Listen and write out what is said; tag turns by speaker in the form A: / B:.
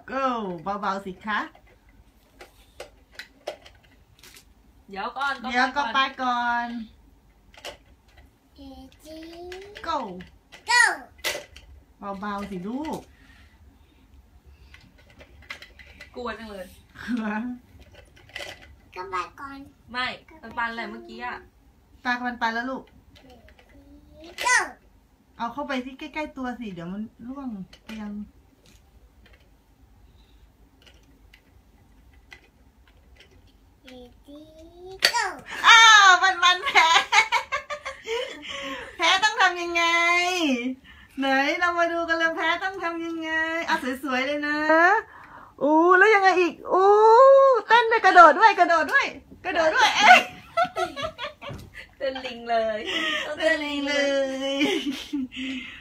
A: go เบาๆสิคะ
B: เดี๋ยวก่อน
A: ก็ไปก่อน go เบาๆสิลูก
B: กลัวจังเลย
C: ก็ไปก่อน
B: ไม่ปันอะไรเมื่อกี้อะ
A: ตามันไปแล้วลูกเอาเข้าไปที่ใกล้ๆตัวสิเดี๋ยวมันร่วงเตียงอ้าวมันแพ้ต้องทำยังไงไหนเรามาดูกันเลยแพ้ต้องทำยังไงอ่ะสวยๆเลยนะอู้แล้วยังไงอีกอู้เต้นด้วยกระโดดด้วยเอ๊ะ
B: เต้นลิงเลย
A: เต้นลิงเลย